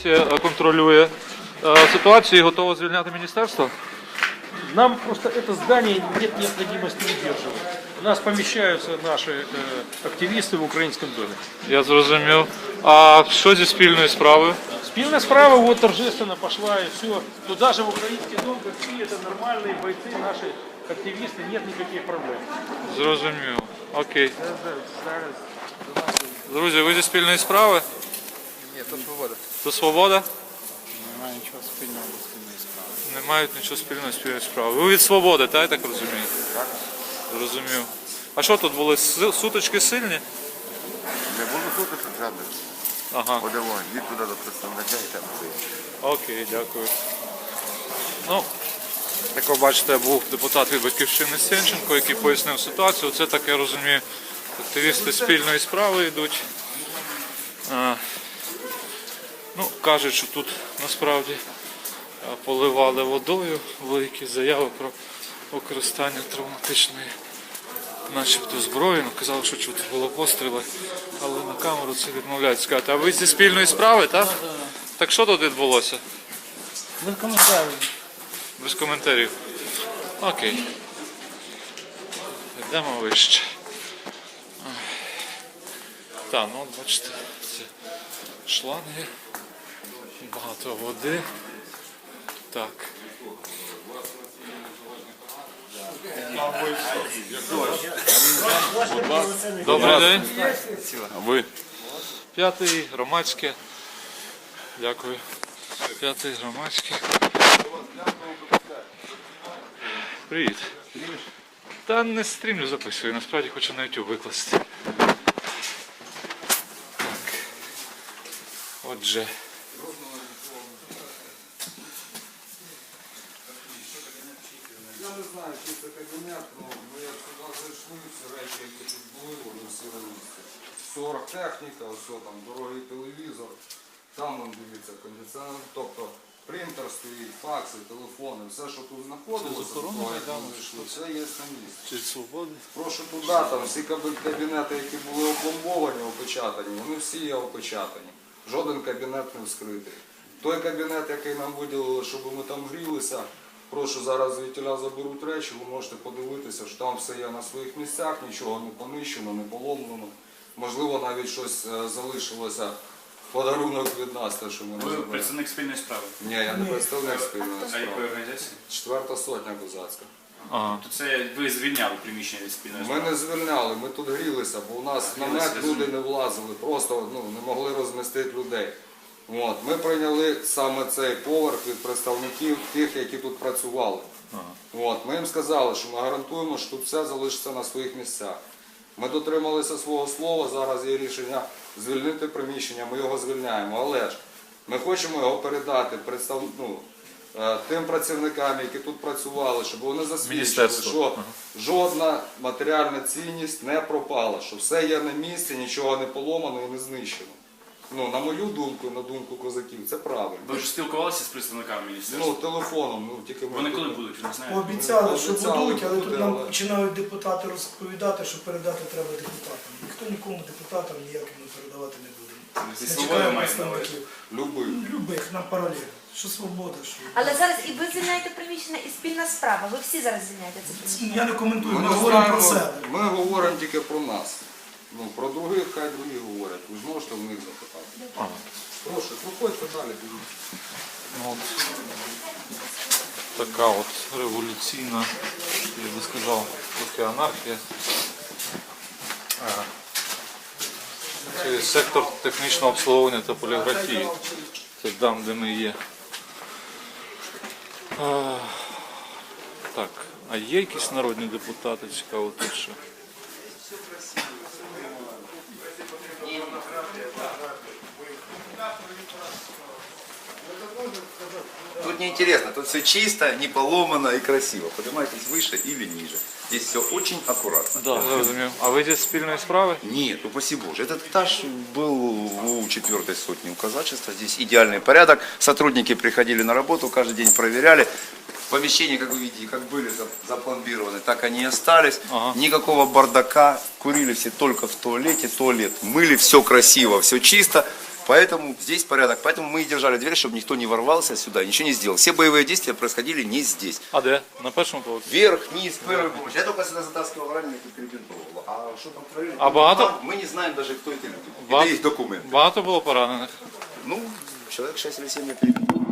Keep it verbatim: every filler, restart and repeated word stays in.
Контролює ситуацію і готово звільняти міністерство? Нам просто это здание нет необходимости удерживать. У нас помещаются наши э, активисты в Украинском доме. Я зрозумів. А що зі спільною справою? Спільная справа вот торжественно пошла и все. Туда же в Украинский дом пришли, это нормальные бойцы, наши активисты, нет никаких проблем. Зрозумів. Окей. Друзі, ви зі спільної справи? Ні, то свобода. То свобода? Немає нічого спільного з спільної справи. Не мають нічого спільного з спільною справою. Ви від свободи, так, я так розумію? Так. Зрозумів. А що тут були? Сутички сильні? Не було сутичок жодних. Ага. Подивимо, йдіть туди до представника і там буде. Окей, дякую. Ну, як ви бачите, був депутат від Батьківщини Сенченко, який пояснив ситуацію. Це, так я розумію, активісти спільної справи йдуть. А, ну, кажуть, що тут насправді поливали водою, великі заяви про використання травматичної начебто зброї. Ну, казали, що чути було постріли, але на камеру це відмовляють сказати. А ви зі спільної справи, так? Так що тут відбулося? Без коментарів. Без коментарів. Окей. Йдемо вище. Так, ну от бачите, це шланги, багато води. Так. Добрий день. А ви? П'ятий громадське. Дякую. П'ятий громадське. Привіт. Та не стрімлю, записую, насправді хочу на YouTube викласти. Так. Отже. Я не знаю, чи це кабінет, але ми як сюди зайшли, всі речі, які тут були, вони всі на місці. сорок техніка, все там, дорогий телевізор, там, вон, дивіться, кондиціонер, тобто принтер стоїть, факси, телефони, все, що тут знаходилося, як ми зайшли, все є на місці. Чи свободи? Прошу туди, там всі кабінети, які були опломбовані, опечатані, вони всі є опечатані. Жоден кабінет не вскритий. Той кабінет, який нам виділили, щоб ми там грілися, прошу, зараз звідтіля заберуть речі, ви можете подивитися, що там все є на своїх місцях, нічого не понищено, не поломлено. Можливо, навіть щось залишилося, подарунок від нас, те, що ми не Ви заберемо. представник спільної справи? Ні, я не представник спільної А якої справи. організації? Четверта сотня козацька. Ага. То це ви звільняли приміщення від спільної Ми справи? не звільняли, ми тут грілися, бо у нас в намет люди не влазили, просто ну, не могли розмістити людей. От. Ми прийняли саме цей поверх від представників тих, які тут працювали. От. Ми їм сказали, що ми гарантуємо, що тут все залишиться на своїх місцях. Ми дотрималися свого слова, зараз є рішення звільнити приміщення, ми його звільняємо. Але ж ми хочемо його передати представ... ну, тим працівникам, які тут працювали, щоб вони засвідчили, що жодна матеріальна цінність не пропала, що все є на місці, нічого не поломано і не знищено. Ну, на мою думку, на думку козаків, це правильно. Ви вже спілкувалися з представниками міністерства? Ну, телефоном, ну, тільки ми... Вони коли будуть, ви не знаєте? Пообіцяли, що Обіцяли, будуть, але буде, тут нам але- починають депутати розповідати, що передати треба депутатам. Ніхто нікому депутатам ніяким не передавати не буде. Зі Не свободою чекаємо маєте на увазі? представників. Любий. Любих, нам паралельно. Що свобода, що... Але зараз і ви звільняєте приміщення, і спільна справа. Ви всі зараз звільняєте це приміщення. Я не коментую, Ми, ми не говоримо про знаємо, себе. ми говоримо тільки про нас. Ну, про других, хай другі говорять. Ви ж можете в них запитати. Ага. Прошу, проходьте далі. Ну, от, така от революційна, я би сказав, трохи анархія. Ага. Це сектор технічного обслуговування та поліграфії. Це там, де ми є. А, так, а є якісь народні депутати, цікаво тут що? Тут не интересно, тут все чисто, не поломано и красиво. Поднимайтесь выше или ниже. Здесь все очень аккуратно. Да, зрозумів. А ви зі спільної справи? Нет, упаси Боже. Этот этаж был у четвертой сотни у казачества. Здесь идеальный порядок. Сотрудники приходили на работу, каждый день проверяли. Помещения, как вы видите, как были запломбированы, так они и остались. Ага. Никакого бардака. Курили все только в туалете. Туалет мыли, все красиво, все чисто. Поэтому здесь порядок. Поэтому мы и держали дверь, чтобы никто не ворвался сюда, ничего не сделал. Все боевые действия происходили не здесь. А де? На першому поверсі? Вверх, низ, первая помощь. Я только сюда затаскивал раненых и перебинтовывал. А что там творили? А багато? Мы не знаем даже, кто эти люди. Ба- Это их документы. Багато було поранених. Ну, человек шесть или семь я перебинтовал.